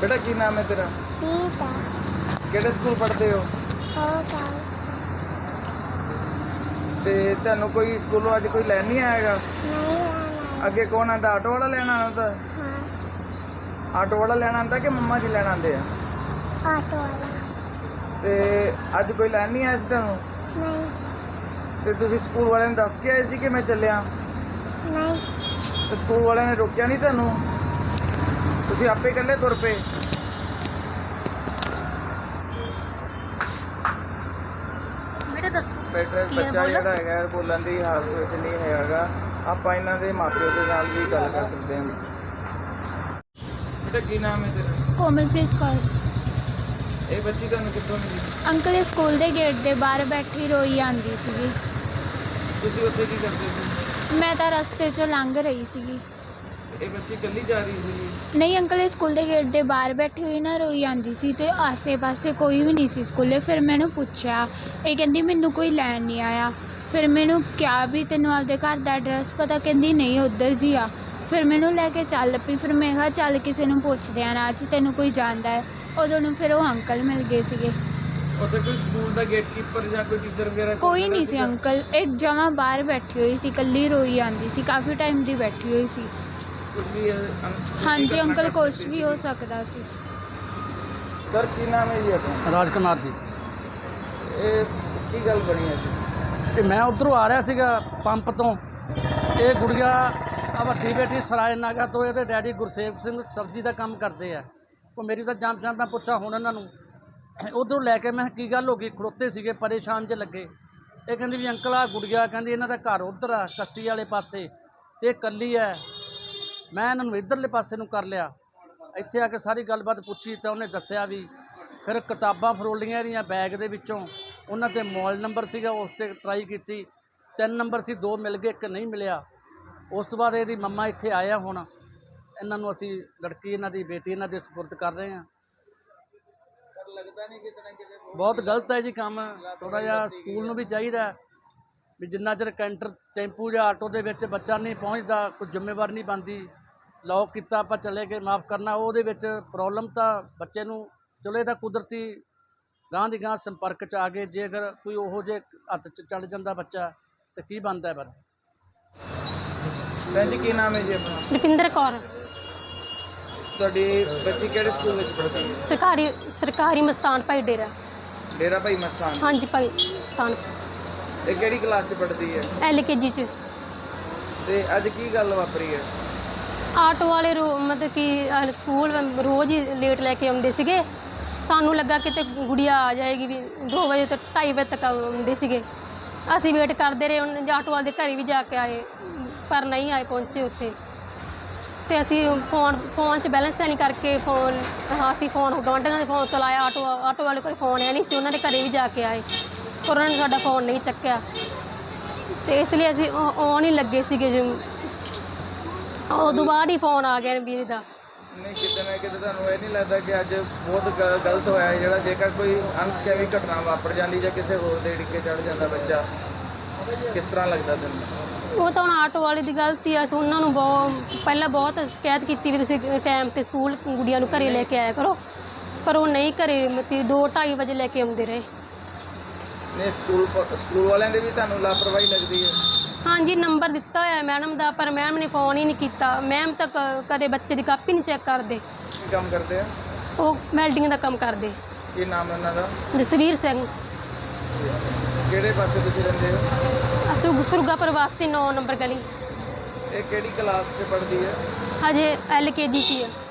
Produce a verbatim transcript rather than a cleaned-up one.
बेटा की नाम है तेरा? पीता ਕਿਹੜੇ ਸਕੂਲ ਪੜ੍ਹਦੇ ਹੋ? हो जाए ਤੇ ਤੁਹਾਨੂੰ ਕੋਈ ਸਕੂਲੋਂ ਅੱਜ ਕੋਈ ਲੈਣ ਨਹੀਂ ਆਏਗਾ? नहीं आना ਅੱਗੇ ਕੌਣ ਆਂਦਾ? ਆਟੋ ਵਾਲਾ ਲੈਣ ਆਉਂਦਾ? हाँ ਆਟੋ ਵਾਲਾ ਲੈਣ ਆਂਦਾ ਕਿ ਮੰਮਾ ਜੀ ਲੈਣ ਆਉਂਦੇ ਆ? ऑटो वाला ਤੇ ਅੱਜ ਕੋਈ ਲੈਣ ਨਹੀਂ ਆਇਆ ਸੀ ਤੁਹਾਨੂੰ? नहीं ਤੇ ਤੁਸੀਂ ਸਕੂਲ ਵਾਲਿਆਂ ਨੂੰ ਦੱਸ ਕੇ ਆਏ ਸੀ ਕਿ ਮੈਂ ਚੱਲਿਆ? नहीं ਤੇ ਸਕੂਲ ਵਾਲਿਆਂ ਨੇ ਰੋਕਿਆ ਨਹੀਂ ਤੁਹਾਨੂੰ? ਤੁਸੀਂ ਆਪੇ ਇਕੱਲੇ ਤੁਰ ਪਏ? बेटा दसो ਬੇਟਾ ਬੱਚਾ ਜਿਹੜਾ ਹੈਗਾ ਬੋਲਣ ਦੀ ਹਾਲਤ ਵਿੱਚ ਨਹੀਂ ਹੈਗਾ। ਆਪਾਂ ਇਹਨਾਂ ਦੇ ਮਾਪਿਓ ਦੇ ਨਾਲ ਵੀ ਗੱਲ ਕਰ ਸਕਦੇ ਹਾਂ। ਬੇਟਾ ਕੀ ਨਾਮ ਹੈ ਤੇਰਾ? कोमलप्रीत कौर। ਇਹ ਬੱਚੀ ਤੁਹਾਨੂੰ ਕਿੱਥੋਂ ਮਿਲੀ? अंकल स्कूल के गेट के बाहर बैठी रोई आंदी सीगी। ਤੁਸੀਂ ਉੱਥੇ ਕੀ ਕਰਦੇ ਸੀ? मैं तो रस्ते चो लंघ रही सीगी। ਇਹ ਬੱਚੀ ਇਕੱਲੀ ਜਾ ਰਹੀ ਸੀ? नहीं अंकल स्कूल के गेट के बाहर बैठी हुई ना रोई आंदी सी ते आसे पासे कोई भी नहीं सी स्कूले। फिर मैंने पूछा, ये कहती मैनू कोई लैन नहीं आया। फिर मैंने क्या भी तेनों आपदे घर का एड्रैस पता? कहती नहीं उधर जी आ। फिर मैनू लैके चल पई। फिर मैं कहा चल किसी नूं पुछदे आ राह च तेनों कोई जानदा है। उदों नूं फिर वो अंकल मिल गए सीगे। ਉੱਥੇ ਕੋਈ ਸਕੂਲ ਦਾ ਗੇਟਕੀਪਰ ਜਾਂ ਕੋਈ ਟੀਚਰ ਵਗੈਰਾ कोई नहीं सी अंकल, एक जमा बाहर बैठी हुई सी, कल्ली रोई आंदी सी, काफ़ी टाइम दी बैठी हुई सी। ਕੁਝ ਵੀ ਅਨਸ- हाँ जी अंकल कुछ भी हो सकता सी। ਸਰ ਕੀ ਨਾਮ ਹੈ ਜੀ ਆਪਣਾ? ਰਾਜ ਕੁਮਾਰ ਜੀ। ਇਹ ਕੀ ਗੱਲ ਬਣੀ ਹੈ ਜੀ? ਇਹ ਮੈਂ ਉਧਰੋਂ ਆ ਰਿਹਾ ਸੀਗਾ ਪੰਪ ਤੋਂ। ਇਹ ਗੁੜੀਆ ਆ ਵੱਡੀ ਬੇਟੀ ਸਰਾਏ ਨਾਗਾ ਤੋਂ, ਇਹਦੇ ਡੈਡੀ ਗੁਰਸੇਵ ਸਿੰਘ ਸਬਜ਼ੀ ਦਾ ਕੰਮ ਕਰਦੇ ਆ। ਉਹ ਮੇਰੀ ਤਾਂ ਜਾਣ ਪਛਾਣ ਦਾ ਪੁੱਛਾ ਹੁਣ ਇਹਨਾਂ ਨੂੰ। ਉਧਰੋਂ ਲੈ ਕੇ ਮੈਂ ਕਿਹਾ ਕੀ ਗੱਲ ਹੋ ਗਈ? ਖੜੋਤੇ ਸੀਗੇ ਪਰੇਸ਼ਾਨ ਜਿਹੇ ਲੱਗੇ। ਇਹ ਕਹਿੰਦੀ ਵੀ ਅੰਕਲ ਆ ਗੁੜੀਆ ਕਹਿੰਦੀ ਇਹਨਾਂ ਦਾ ਘਰ ਉੱਧਰ ਆ ਕੱਸੀ ਵਾਲੇ ਪਾਸੇ ਅਤੇ ਇਹ ਇਕੱਲੀ ਹੈ। ਮੈਂ ਇਹਨਾਂ ਨੂੰ ਇੱਧਰਲੇ ਪਾਸੇ ਨੂੰ ਕਰ ਲਿਆ। ਇੱਥੇ ਆ ਕੇ ਸਾਰੀ ਗੱਲਬਾਤ ਪੁੱਛੀ ਤਾਂ ਉਹਨੇ ਦੱਸਿਆ ਵੀ ਫਿਰ ਕਿਤਾਬਾਂ ਫਰੋਲੀਆਂ ਇਹਦੀਆਂ ਬੈਗ ਦੇ ਵਿੱਚੋਂ। ਉਹਨਾਂ 'ਤੇ ਮੋਬਾਈਲ ਨੰਬਰ ਸੀਗਾ, ਉਸ 'ਤੇ ਟਰਾਈ ਕੀਤੀ। ਤਿੰਨ ਨੰਬਰ ਸੀ, ਦੋ ਮਿਲ ਗਏ, ਇੱਕ ਨਹੀਂ ਮਿਲਿਆ। ਉਸ ਤੋਂ ਬਾਅਦ ਇਹਦੀ ਮੰਮਾ ਇੱਥੇ ਆਇਆ। ਹੁਣ ਇਹਨਾਂ ਨੂੰ ਅਸੀਂ ਲੜਕੀ ਇਹਨਾਂ ਦੀ ਬੇਟੀ ਇਹਨਾਂ ਦੇ ਸਪੁਰਦ ਕਰ ਰਹੇ ਹਾਂ। ਪਰ ਲੱਗਦਾ ਨਹੀਂ ਕਿਤੇ ਨਾ ਕਿਤੇ ਬਹੁਤ ਗਲਤ ਹੈ ਜੀ ਕੰਮ। ਥੋੜ੍ਹਾ ਜਿਹਾ ਸਕੂਲ ਨੂੰ ਵੀ ਚਾਹੀਦਾ ਵੀ ਜਿੰਨਾ ਚਿਰ ਕੈਂਟਰ ਟੈਂਪੂ ਜਾਂ ਆਟੋ ਦੇ ਵਿੱਚ ਬੱਚਾ ਨਹੀਂ ਪਹੁੰਚਦਾ, ਕੋਈ ਜ਼ਿੰਮੇਵਾਰ ਨਹੀਂ ਬਣਦੀ। ਲੌਕ ਕੀਤਾ ਆਪਾਂ ਚਲੇ ਗਏ, ਮਾफ़ ਕਰਨਾ, ਉਹਦੇ ਵਿੱਚ ਪ੍ਰੋਬਲਮ ਤਾਂ ਬੱਚੇ ਨੂੰ ਚਲੋ ਇਹ ਤਾਂ ਕੁਦਰਤੀ ਗਾਂਹ ਦੀ ਗਾਂਹ ਸੰਪਰਕ 'ਚ ਆ ਗਏ। ਜੇ ਅਗਰ ਕੋਈ ਉਹੋ ਜਿਹੇ ਹੱਥ 'ਚ ਚੜ ਜਾਂਦਾ ਬੱਚਾ ਤਾਂ ਕੀ ਬਣਦਾ ਫਿਰ? ਭੈਣ ਜੀ ਕੀ ਨਾਮ ਹੈ ਜੀ ਆਪਣਾ? ਰੁਪਿੰਦਰ ਕੌਰ। ਤੁਹਾਡੀ ਬੱਚੀ ਕਿਹੜੇ ਸਕੂਲ ਵਿੱਚ ਪੜ੍ਹਦੀ ਹੈ? ਸਰਕਾਰੀ ਸਰਕਾਰੀ ਮਸਤਾਨ ਭਾਈ ਡੇਰਾ। ਡੇਰਾ ਭਾਈ ਮਸਤਾਨ। ਹਾਂਜੀ ਭਾਈ ਮਸਤਾਨ। ਇਹ ਕਿਹੜੀ ਕਲਾਸ 'ਚ ਪੜ੍ਹਦੀ ਹੈ? ਐਲ ਕੇ ਜੀ 'ਚ। ਤੇ ਅੱਜ ਕੀ ਗੱਲ ਵਾਪਰੀ ਹੈ? ਆਟੋ ਵਾਲੇ ਰੋ ਮਤਲਬ ਕਿ ਅਹ ਸਕੂਲ ਰੋਜ਼ ਹੀ ਲੇਟ ਲੈ ਕੇ ਆਉਂਦੇ ਸੀਗੇ। ਸਾਨੂੰ ਲੱਗਾ ਕਿਤੇ ਗੁੜੀਆ ਆ ਜਾਏਗੀ ਵੀ ਦੋ ਵਜੇ ਤੋਂ ਢਾਈ ਵਜੇ ਤੱਕ ਆਉਂਦੇ ਸੀਗੇ। ਅਸੀਂ ਵੇਟ ਕਰਦੇ ਰਹੇ। ਉਹਨਾਂ ਆਟੋ ਵਾਲੇ ਦੇ ਘਰ ਵੀ ਜਾ ਕੇ ਆਏ ਪਰ ਨਹੀਂ ਆਏ ਪਹੁੰਚੇ ਉੱਥੇ। ਅਤੇ ਅਸੀਂ ਫੋਨ ਫੋਨ 'ਚ ਬੈਲੈਂਸ ਹੈ ਨਹੀਂ ਕਰਕੇ ਫੋਨ ਅਸੀਂ ਫੋਨ ਗੁਆਂਢੀਆਂ ਦੇ ਫੋਨ ਤੋਂ ਲਾਇਆ। ਆਟੋ ਆਟੋ ਵਾਲੇ ਕੋਲ ਫੋਨ ਹੈ ਨਹੀਂ ਸੀ, ਉਹਨਾਂ ਦੇ ਘਰ ਵੀ ਜਾ ਕੇ ਆਏ ਪਰ ਉਹਨਾਂ ਨੇ ਸਾਡਾ ਫੋਨ ਨਹੀਂ ਚੱਕਿਆ। ਅਤੇ ਇਸ ਲਈ ਅਸੀਂ ਆਉਣ ਹੀ ਲੱਗੇ ਸੀਗੇ ਜੀ। ਉਦੋਂ ਬਾਅਦ ਹੀ ਫੋਨ ਆ ਗਿਆ ਵੀਰ ਦਾ। ਨਹੀਂ ਕਿਤੇ ਨਾ ਕਿਤੇ ਤੁਹਾਨੂੰ ਇਹ ਨਹੀਂ ਲੱਗਦਾ ਕਿ ਅੱਜ ਬਹੁਤ ਗ- ਗਲਤ ਹੋਇਆ ਹੈ ਜਿਹੜਾ ਜੇਕਰ ਕੋਈ ਅਨਸਕੈਮੀ ਘਟਨਾ ਵਾਪਰ ਜਾਂਦੀ ਜਾਂ ਕਿਸੇ ਹੋਰ ਦੇ ਡਿੱਕੇ ਚੜ ਜਾਂਦਾ ਬੱਚਾ, ਕਿਸ ਤਰ੍ਹਾਂ ਲੱਗਦਾ ਤੈਨੂੰ? ਉਹ ਤਾਂ ਹੁਣ ਆਟੋ ਵਾਲੇ ਦੀ ਗਲਤੀ ਆ। ਅਸੀਂ ਉਹਨਾਂ ਨੂੰ ਬਹੁਤ ਪਹਿਲਾਂ ਬਹੁਤ ਸ਼ਿਕਾਇਤ ਕੀਤੀ ਵੀ ਤੁਸੀਂ ਟਾਈਮ 'ਤੇ ਸਕੂਲ ਗੁੜੀਆਂ ਨੂੰ ਘਰੇ ਲੈ ਕੇ ਆਇਆ ਕਰੋ, ਪਰ ਉਹ ਨਹੀਂ ਘਰੇ ਮਤਲਬ ਦੋ ਢਾਈ ਵਜੇ ਲੈ ਕੇ ਆਉਂਦੇ ਰਹੇ। ਨਹੀਂ ਸਕੂਲ ਪ- ਸਕੂਲ ਵਾਲਿਆਂ ਦੇ ਵੀ ਤੁਹਾਨੂੰ ਲਾਪਰਵਾਹੀ ਲੱਗਦੀ ਹੈ? ਹਾਂਜੀ ਨੰਬਰ ਦਿੱਤਾ ਹੋਇਆ ਮੈਡਮ ਦਾ ਪਰ ਮੈਮ ਨੇ ਫੋਨ ਹੀ ਨਹੀਂ ਕੀਤਾ। ਮੈਮ ਤਾਂ ਕ- ਕਦੇ ਬੱਚੇ ਦੀ ਕਾਪੀ ਨਹੀਂ ਚੈੱਕ ਕਰਦੇ। ਕੀ ਕੰਮ ਕਰਦੇ ਆ? ਉਹ ਵੈਲਡਿੰਗ ਦਾ ਕੰਮ ਕਰਦੇ। ਕੀ ਨਾਮ ਹੈ ਉਹਨਾਂ ਦਾ? ਜਸਵੀਰ ਸਿੰਘ। ਕਿਹੜੇ ਪਾਸੇ ਤੁਸੀਂ ਰਹਿੰਦੇ ਹੋ? ਅਸੀਂ ਸੁਰਗਾਪੁਰ ਵਾਸਤੇ ਨੌ ਨੰਬਰ ਗਲੀ। ਇਹ ਕਿਹੜੀ ਕਲਾਸ 'ਚ ਪੜ੍ਹਦੀ ਹੈ? ਹਜੇ ਐਲ ਕੇ ਜੀ 'ਚ ਹੀ ਆ।